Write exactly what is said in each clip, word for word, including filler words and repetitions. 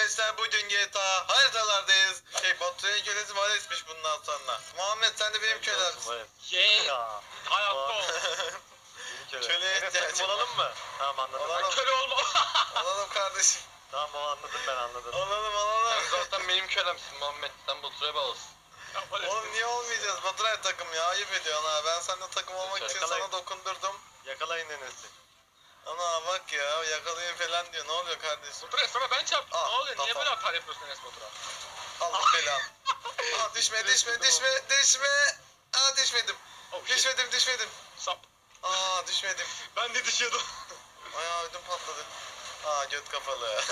arkadaşlar, bugün G T A haritalardayız. Şey, Baturay'a kölesi Vales'miş bundan sonra. Muhammed, sen de benim kölemsin. Yeee. Hayatta ol. Köleye ihtiyacım olalım mı? Tamam anladım. Olalım. Köle olma. Olalım kardeşim. Tamam o anladım ben anladım. Olalım olalım. Sen zaten benim kölemsin Muhammed. Sen Baturay'a bağlısın. Oğlum niye olmayacağız? Baturay takım ya, ayıp ediyorsun ha. Ben seninle takım olmak için Yakalayın. sana dokundurdum. Yakalayın Enes'i. Ana bak ya, yakalayın falan diyor. Ne oluyor kardeşim? Batur'a sana ben çarptım. Aa, Ne oluyor? Niye kafa. böyle atar yapıyorsun Enes Batur'a? Allah belanı. Aa, düşme düşme düşme düşme. Aa, düşmedim. Oh shit. Düşmedim düşmedim. Sap. Aa, düşmedim. Ben de düşüyordum. Ay, ödüm patladı. Aa, göt kafalı.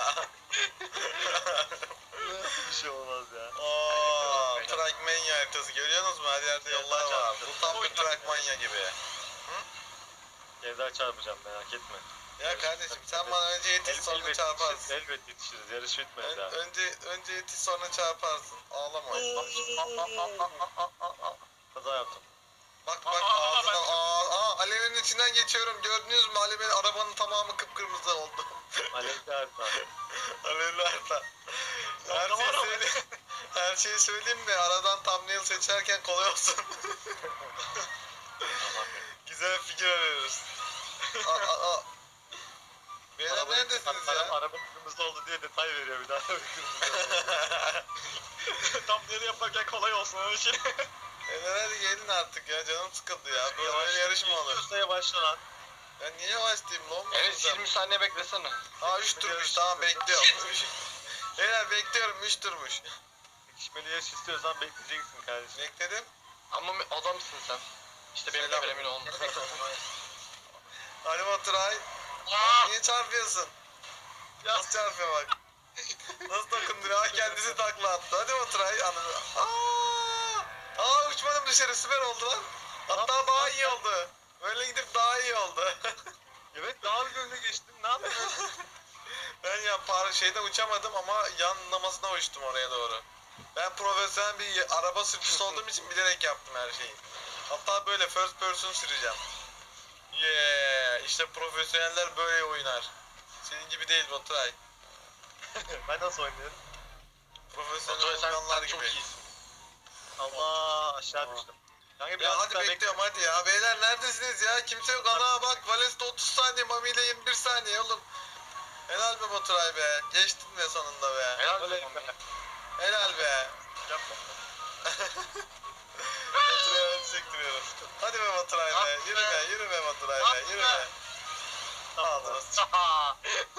Bir şey olmaz ya. Aa, Trackmania haritası görüyorsunuz mu? Her yerde yollar var. Bu tam bir Trackmania gibi. Ceza çarpacağım merak etme. Ya kardeşim, sen bana önce yetiş sonra elbet çarparsın. yetişiriz, elbet yetişiriz. Yarış bitmedi Ön- daha. önce önce yetiş sonra çarparsın. Ağlama. Kaza yaptım. Bak bak, Aa, ağzından ben- aa, aa, alevin içinden geçiyorum. Gördünüz mü? Alevin, arabanın tamamı kıpkırmızı oldu. Alevli harita. Alevli harita. Her ne şeyi var o? söyleyeyim. Her şeyi söyleyeyim de aradan thumbnail seçerken kolay olsun. Güzel fikir arıyoruz. Aa, aa, aa. Beyler Araba- neredesiniz araba, ya? Araba kırmızı oldu diye detay veriyor bir daha. Araba kırmızı oldu. Tam nereye yaparken kolay olsun öyle şey. Beyler hadi gelin artık ya, canım sıkıldı ya. Böyle Yavaş- böyle yarış mı olur? Yavaşla yavaşla lan. Ben niye yavaşlayayım lan? Evet yirmi saniye beklesene. Aa, üç turmuş, tamam bekliyorum. Beyler bekliyorum, üç turmuş. Yetişmeli yarış istiyorsan bekleyeceksin kardeşim. Bekledim. Ama adamsın sen. İşte benim Selam. kölemin olma. Hadi Baturay. Aa! Niye çarpıyorsun? Nasıl çarpıyor bak. Nasıl dokunduruyor? Ha, kendisi takla attı. Hadi Baturay. Anladım. Aa! Aa, uçmadım dışarı, süper oldu lan. Hatta daha iyi oldu. Böyle gidip daha iyi oldu. Evet daha bir önüne geçtim. Ne yapıyorsun? Ben ya par şeyden uçamadım ama yanlamasına uçtum oraya doğru. Ben profesyonel bir araba sürücüsü olduğum için bilerek yaptım her şeyi. Hatta böyle first person süreceğim. Yeah, işte profesyoneller böyle oynar. Senin gibi değil Baturay. Ben nasıl oynuyorum? Profesyonel Baturay sen, oynayanlar sen çok gibi. iyisin. Allah aşağı düştüm. Kanka Ya biraz hadi daha bekliyorum hadi ya. Beyler neredesiniz ya? Kimse yok. Ana bak, Vales'te otuz saniye, Mami ile yirmi bir saniye oğlum. Helal be Baturay be. Geçtin be sonunda be. Helal Öyle olsun. mi? Helal be. Yapma. Baturay'a ön sektiriyorum. Hadi be Baturay be. Yürü be, yürü be Baturay be. Yürü be. Aldınız. Aa!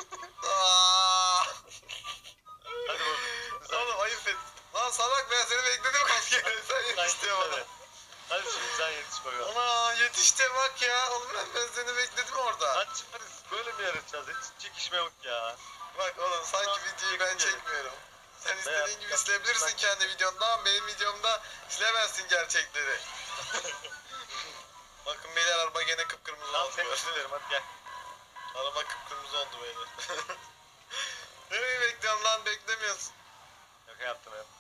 Hadi bakalım. Güzel. Oğlum ayıp et. Lan salak, ben seni bekledim kaç kere. Sen Hadi, yetişti bana. hadi. Hadi şimdi sen yetiş bakalım. Ana yetişti bak ya. Oğlum ben, ben seni bekledim orada. Hadi çıkarız. Böyle mi yarışacağız? Hiç çekişme yok ya. Bak oğlum, sanki videoyu ben çekmiyorum. Sen istediğin gibi silebilirsin kendi videonda ama benim videomda silemezsin gerçekleri. Bakın beyler, araba gene kıpkırmızı Tamam oldu. seni düşünüyorum hadi gel. Araba kıpkırmızı oldu beyler. Nereye bekliyorsun lan, beklemiyorsun. Şaka yaptım hep.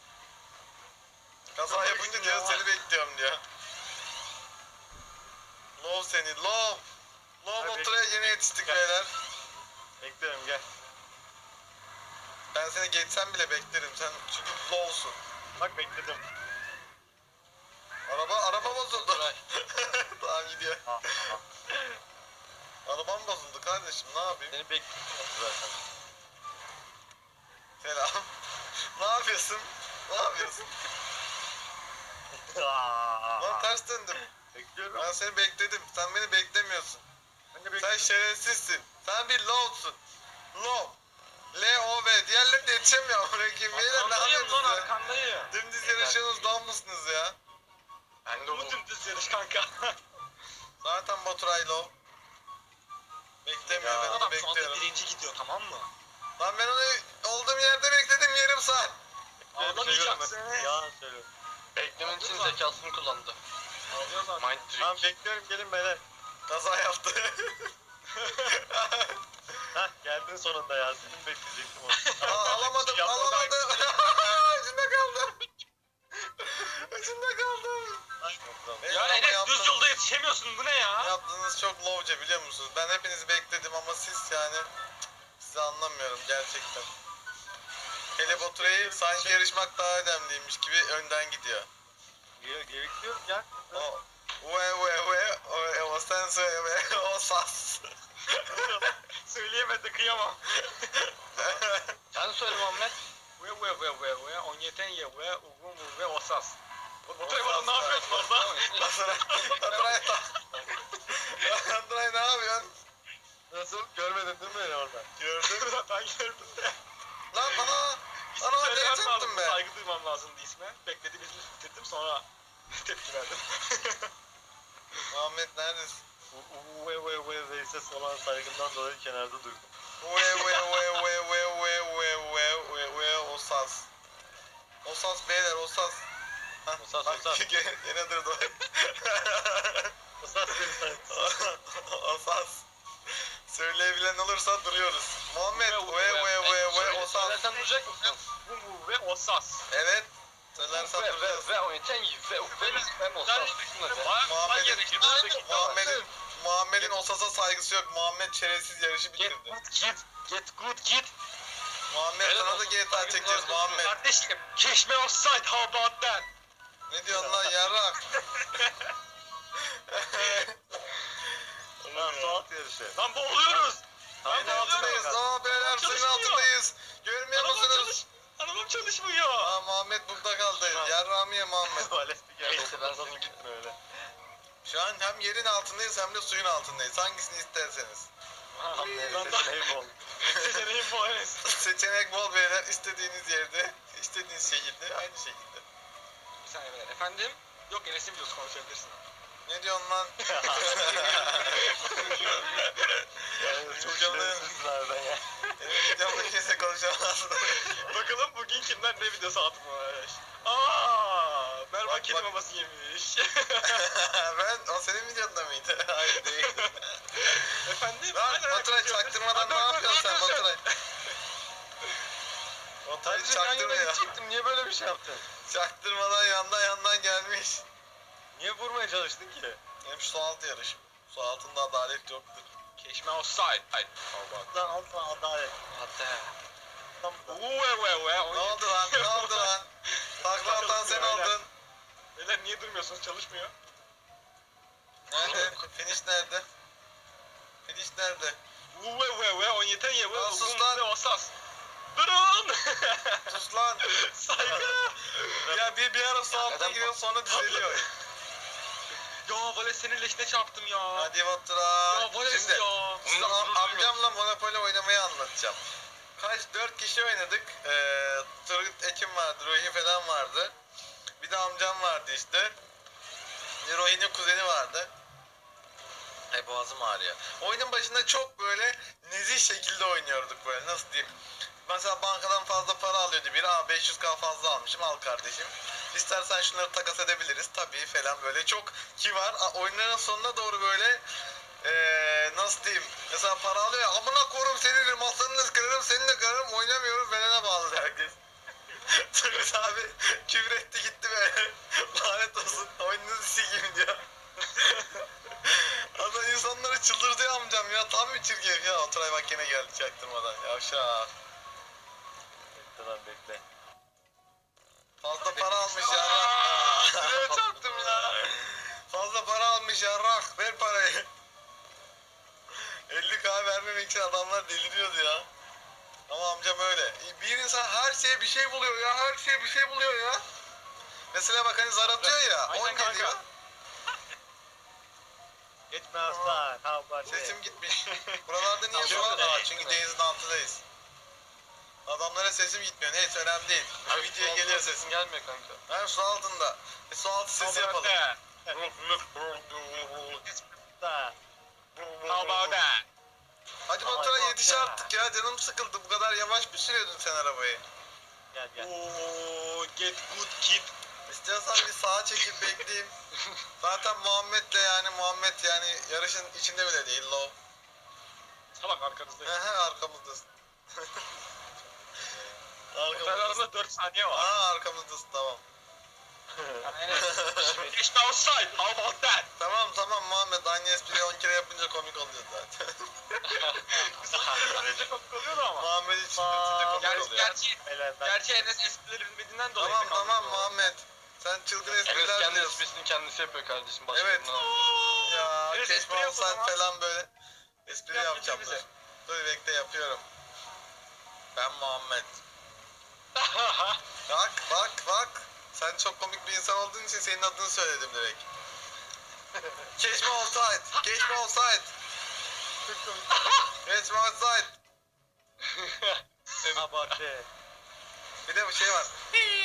Kaza yapınca diyor seni bekliyorum diyor. Love seni, love. Love Hadi. Baturay'a yeni yetiştik Gel. beyler. Bekliyorum gel. Ben seni geçsem bile beklerim, sen çünkü love'sun. Bak bekledim. Araba, araba bozuldu. Baturay. Tamam gidiyor. Ah, ah. Arabam bozuldu kardeşim, ne yapayım? Seni bekliyorum zaten. Selam. Ne yapıyorsun? Ne yapıyorsun? Lan ters döndüm. Bekliyorum. Ben seni bekledim. Sen beni beklemiyorsun. Ben de Sen bekliyorum. şerefsizsin. Sen bir low'sun. Low. L-O-V. Diğerleri de yetişemiyor. Bırakayım. Beyler ne Arkandayım lan yapıyorsunuz ya? arkandayım. Dümdüz yarışıyorsunuz, dam mısınız ya? Ben de Bu bu. dümdüz yarış kanka. Zaten Baturay low. Beklemiyor, Ya. ben onu Adam şu anda bekliyorum. birinci gidiyor tamam mı? Lan ben onu olduğum yerde bekledim yarım saat. Ağlamayacaksın. Yalan söylüyorum. Beklemen için zekasını kullandı. Ağlıyor zaten. Mind trick. Tamam bekliyorum gelin beyler. Kaza yaptı. Hah geldin sonunda ya. Senin bekleyecektim onu. Aa, alamadım, Yapma alamadım. Ucunda kaldım. Ucunda kaldım. Ay, tamam. Beyler, Ya ama Enes yaptığınız- düz yolda yetişemiyorsun bu ne ya? Yaptığınız çok lowca, biliyor musunuz? Ben hepinizi bekledim ama siz yani cık, sizi anlamıyorum gerçekten. Hele Baturay'ı sanki yarışmak daha önemliymiş gibi önden gidiyor. Gerekiyor ya. O ve ve ve o, o sen söyle ve o sas. Söyleyemedi kıyamam. Sen söyle Muhammed. Ve ve ve ve ve on yeten ye ve ugun bu ve osas. Baturay bana ne yapıyorsun orada? Baturay, Baturay, Baturay ne yapıyorsun? Nasıl? Görmedin değil mi beni orada? Gördün mü? Ben gördüm de. Lan bana, İsmi bana ne söylemem yaptın lazım. be? Saygı duymam lazımdı isme. Bekledi birini bitirdim sonra tepki verdim. Muhammed neredesin? U ve ve ve ve ses olan saygımdan dolayı kenarda duydum. Ve ve ve ve ve ve ve ve ve ve o sas. O sas beyler o sas. Hah, O sas, bak, o sas. Gene, gene durdu. O ses beni saygı. O sas. Söyleyebilen olursa duruyoruz. Muhammed Ve- ve ve ve ve Söyle- o sas. Söylersen duyacak mısın? Bu bu ve osas. Evet. Söylersen Ve duracağız. ve ve oynatan ve ve ve ben olsam. Muhammed'in Muhammed'in Muhammed'in o sasa saygısı yok. Muhammed çerezsiz yarışı Get bitirdi. good kid. Get good kid. Muhammed Evet, sana da olsun. G T A çekeceğiz Muhammed. Kardeşim, keşme offside, how about that? Ne diyorsun lan yarrak? Lan su alt yarışı. Lan boğuluyoruz. Suyun Lan altındayız. boğuluyoruz. Aa beyler suyun Çalışmıyor. altındayız. Görmüyor Arabam musunuz? çalış. Arabam çalışmıyor. Aa Muhammed burada kaldı. Yarrağımı ye Muhammed. Tuvalet bir geldi. Neyse, ben Nasıl seni- gitme öyle. Şu an hem yerin altındayız hem de suyun altındayız. Hangisini isterseniz. Tam neyse Lan da- seçeneği bol. Seçeneğim bu Enes. Seçenek bol beyler. İstediğiniz yerde, istediğiniz şekilde, aynı şekilde. Bir saniye beyler. Efendim? Yok Enes'in videosu konuşabilirsin. Ne diyorsun lan? Yani çok Canım. şerefsizlerden ya. Benim videomda kimse konuşamaz. Bakalım bugün kimden ne videosu atmış. Aaa! Merhaba Bak, kedi bak. maması yemiş. Ben, o senin videonda mıydı? Hayır değil. Efendim? Lan Aynen, Baturay yapıyorsun. çaktırmadan Dur, ne dur, yapıyorsun dur, sen dur. Baturay? Baturay Kardeşim yan yana çaktırmıyor. gidecektim. Niye böyle bir şey yaptın? Çaktırmadan yandan yandan gelmiş. Niye vurmaya çalıştın ki? Hep su altı yarış. Su altında adalet yoktur. Keşme offside. Hayır. Lan al sana adalet. Hatta. Tam da. Uwe we we. Ne oldu lan? Ne oldu lan? Takla atan sen oldun. Beyler niye durmuyorsunuz? Çalışmıyor. Nerede? Finish nerede? Finish nerede? Uwe we we. On yeten ye we. Lan sus Ugun lan. ve osas. Durun. Sus lan. Saygı. Ya bir bir ara su altına Neden- giriyor sonra düzeliyor. Ya Vales senin leşine çarptım ya. Hadi Baturay. Ya Vales Şimdi ya. size am- amcamla Monopoly oynamayı anlatacağım. Kaç? Dört kişi oynadık. Ee, Turgut Ekim vardı, Ruhi falan vardı. Bir de amcam vardı işte. Bir Ruhi'nin kuzeni vardı. Ay boğazım ağrıyor. Oyunun başında çok böyle nezih şekilde oynuyorduk böyle nasıl diyeyim. Mesela bankadan fazla para alıyordu biri. Aa beş yüz K fazla almışım al kardeşim. İstersen şunları takas edebiliriz tabii falan böyle çok ki var. Aa, oyunların sonuna doğru böyle ee, nasıl diyeyim. Mesela para alıyor ya amına korum seni masanını kırarım seninle kırarım oynamıyorum felene bağlı herkes. Turgut abi küfür etti gitti böyle. Lanet olsun oyununuzu sikeyim diyor. Adam insanları çıldırdı amcam ya tam bir çirkef ya. Oturay bak yine geldi çaktırmadan yavşak. Bekle lan bekle. Fazla para almış ya. Sıraya çarptım ya. Fazla para almış yarrak ver parayı. elli K vermemek için adamlar deliriyordu ya. Ama amcam öyle. Bir insan her şeye bir şey buluyor ya. Her şeye bir şey buluyor ya. Mesela bak hani zar atıyor ya. Aynen on kanka. geliyor. Geçme aslan. Ha bari. Sesim gitmiş. Buralarda niye su Tamam, var? Aa, evet. çünkü denizin altındayız. Adamlara sesim gitmiyor. Neyse önemli değil. Şu videoya geliyor sesim. Sesin gelmiyor kanka. Ben su altında. Bir su altı sesi yapalım. Da. How about that? Hadi Ay, Baturay bak yetiş ya. artık ya. Canım sıkıldı. Bu kadar yavaş mı sürüyordun sen arabayı? Gel gel. Oo, get good kid. İstiyorsan bir sağa çekip bekleyeyim. Zaten Muhammed'le yani Muhammed yani yarışın içinde bile değil lo. Salak arkanızdayım. Hehe arkamızdasın. Otel Arkamızdasın. arasında dört saniye var. Aa arkamızdasın tamam. Geçme outside. How about that? Tamam tamam Muhammed, aynı espriyi on kere yapınca komik oluyor zaten. Böylece komik oluyordu ama. Muhammed için de komik Gerçi, oluyor. gerçi, Beyler ben gerçi Enes esprileri bilmediğinden dolayı. Tamam pek tamam anlamıyorum. Muhammed. Sen çılgın Enes espriler kendi diyorsun. esprisini kendisi yapıyor kardeşim. Başka Evet. birine anlatıyor. Ya Evet, espri keşke yap o olsan zaman. falan böyle. Espri Yap, yapacağım bize. dur. Dur bekle yapıyorum. Ben Muhammed. Bak bak bak. Sen çok komik bir insan olduğun için senin adını söyledim direkt. Keşme olsaydı. Keşme olsaydı. Keşme olsaydı. abartı. Bir de bir şey var.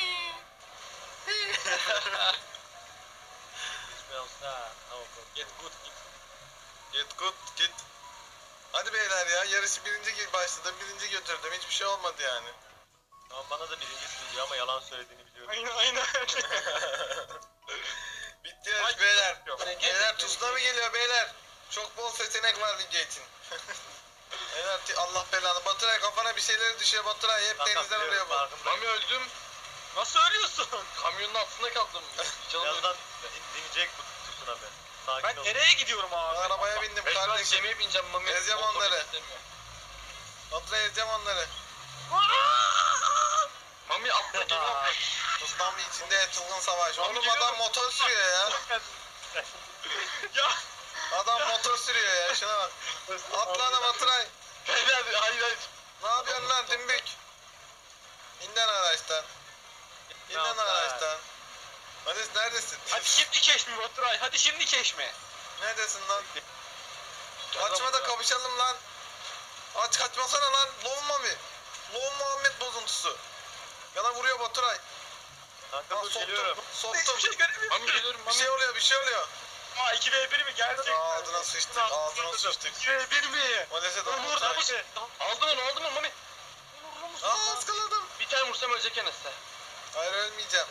Hiçbir olsa. Tamam. Get good git. Git good git. Hadi beyler ya, yarışı birinci gi- başladım, birinci götürdüm, hiçbir şey olmadı yani. Tamam bana da birincisi diyor ama yalan söylediğini biliyorum. Aynen aynen. Bitti yarış Ay, beyler. yok. Beyler tuzla mı geliyor beyler? Çok bol seçenek var video için. Beyler ti- Allah belanı. Baturay kafana bir şeyler düşüyor Baturay, hep denizden oluyor bu. Mami öldüm. Nasıl ölüyorsun? Kamyonun altında kaldım. Canım Birazdan in- dinleyecek bu tsunami. Sakin Ben ol. nereye gidiyorum abi? Ben arabaya bindim Ben şu an kardeşim. gemiye bineceğim Mami. Ezeceğim Motoru onları. istemiyor. Baturay ezeceğim onları. Mami atla gemi atla. Tsunami içinde çılgın savaş. Abi Oğlum geliyorum. adam motor sürüyor ya. Ya. Adam motor sürüyor ya, şuna bak. Atla lan Baturay. Beyler hayır hayır. Ne yapıyorsun lan dümbük? İnden araçtan. İnden yapar? araçtan. Hadi neredesin? Hadi şimdi keşme Baturay. Hadi şimdi keşme. Neredesin lan? Gel Kaçma lan da buraya. kapışalım lan. Aç kaçmasana lan. Lon Mami. Lon Muhammed bozuntusu. Yana vuruyor Baturay. Kanka Ha, dur soktum. geliyorum. Soktum. Hiçbir şey göremiyorum. Mami geliyorum Bir Mami. şey oluyor, bir şey oluyor. Aa iki ve bir mi? Gerçekten. Ağzına sıçtık, ağzına sıçtık. iki ve bir mi? Maalesef de Umurda Baturay. mısın? Aldım onu aldım onu Mami. Aa ıskaladım. Bir tane vursam ölecek Enes'te. Hayır ölmeyeceğim.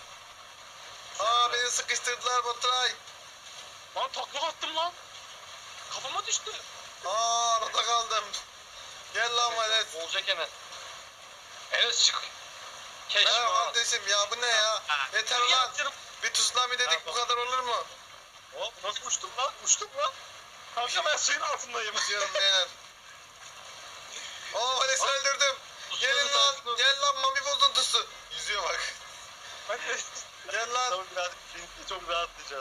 Aa beni sıkıştırdılar Baturay. Lan takla attım lan. Kafama düştü. Aa arada kaldım. Gel lan Vales. Olacak Enes. Enes çık. Keşke Merhaba ha. kardeşim ya, bu ne ya? Yeter Yürü lan. yaptırım. Bir tsunami dedik, bu kadar olur mu? Hop nasıl uçtum lan? Uçtum lan. Kanka ben suyun altındayım. Gidiyorum beyler. Oo Vales'i öldürdüm. Gelin lan, gel lan Mami bozuntusu. Yüzüyor bak. Ben de Gel lan. Tamam birazcık birinci çok rahatlayacağız.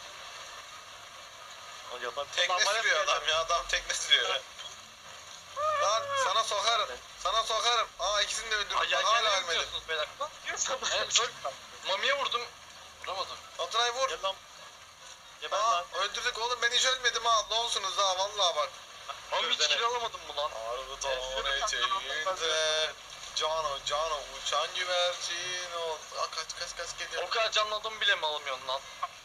O yapan Tekne Ulan bana sürüyor söyle. adam ya, adam tekne sürüyor. Lan sana sokarım. Sana sokarım. Aa ikisini de öldürdüm. Ay Bak, hala yelkenle ölmedim. vuruyorsunuz beyler. diyorsan Evet, çok- Mami'ye vurdum. Vuramadım. Baturay vur. Gel lan. Geber Aa lan. öldürdük oğlum, ben hiç ölmedim ha. Ne olsunuz ha, vallahi bak. Mami hiç Dene. kill alamadım mı lan? Arıdan eteğinde Cano cano uçan güvercin ol. Aa kaç kaç kaç geliyor. O kadar canlı adam bile mi alamıyorsun lan?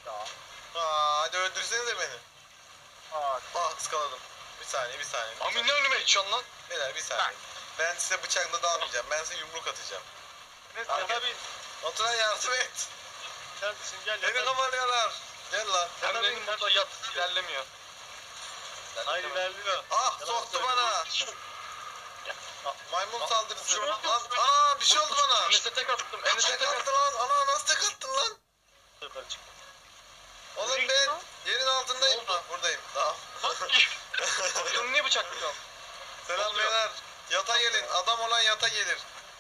Aa hadi öldürsenize beni. Aa, Ah ıskaladım. Bir saniye bir saniye. Bir Mami saniye. ne önüme içiyorsun lan? Beyler bir saniye. Ben size bıçakla dalmayacağım. Ben size yumruk atacağım. Enes Abi. yana bir. Baturay yardım et. Kardeşim gel Beni ya. kamalıyorlar. Gel lan. Hem benim burada yat ilerlemiyor. Hayır ilerliyor. Ah Yalan soktu söylüyor. bana. Maymun Ah, saldırısı. şu- Lan ana bir şey oldu bana. Enes'e tek attım. Enes'e Tek tek attım. attı lan. Ana nasıl tek attın lan? Yukarı çık. Oğlum ben yerin altındayım. Ne oldu? Ha, buradayım. Tamam. Bunu niye bıçaklıyorsun? Selam oluyor? beyler. Yata gelin. Adam olan yata gelir.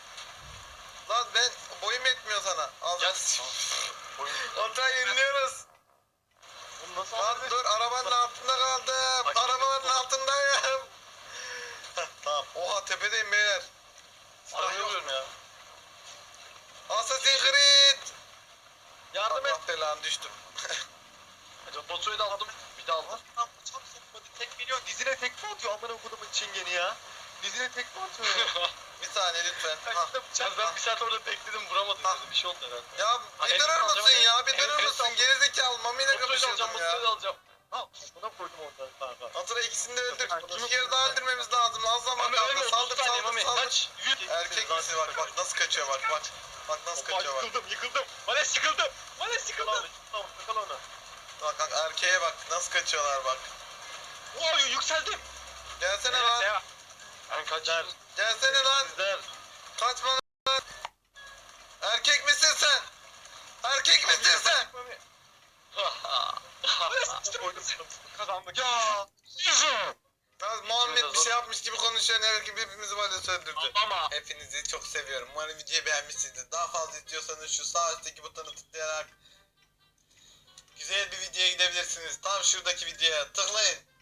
Lan ben boyum yetmiyor sana. Al. Gel. Otra yeniliyoruz. Bunu nasıl Lan aldın? dur, arabanın altında kaldım. Ay, Arabanın çok- altındayım. Heh, tamam. Oha tepedeyim beyler. Sarıyorum ya. Assassin's Creed. Yardım et. Allah belanı düştüm. Batu'yu da aldım. Bir de aldım. Lan bıçak sokmadı. Tek milyon dizine tekme atıyor amına kodumun çingeni ya. Dizine tekme atıyor. Bir saniye lütfen. Hah. Ya ben bir saat orada bekledim vuramadım. Ha. dedi. Bir şey oldu herhalde. Ya Ha, bir el durur alacağım, musun el- ya? Bir el- durur el musun? alacağım. Gerizekalı Mami'yle Batu'yu da alacağım. kapışıyordum Batu'yu da ya. alacağım. Ha buna koydum onları kanka. Otra ikisini de öldür. Kim- İki kere daha öldürmemiz lazım. Az zaman Mami kaldı. ölmüyor. Saldır otuz saniye saldır Mami. saldır. Kaç. Yüz. Erkek misin bak bak nasıl kaçıyor bak bak. Bak nasıl Opa kaçıyor bak. yıkıldım yıkıldım. Vales yıkıldım. Vales Yakala onu. yıkıldım. Tamam yakala onu. Bak bak erkeğe bak nasıl kaçıyorlar bak. Wow yükseldim. Gelsene Evet lan. ya. Ben kaç. Der. Gelsene lan. Sizler. Kaçma lan. Erkek misin sen? Erkek misin sen? Kazandık. Ya. Ya Muhammed bir şey yapmış gibi konuşuyor. Ne gibi hepimizi böyle söndürdü. Ama Hepinizi çok seviyorum. Umarım videoyu beğenmişsinizdir. Daha fazla istiyorsanız şu sağ üstteki butonu tıklayarak güzel bir videoya gidebilirsiniz. Tam şuradaki videoya tıklayın.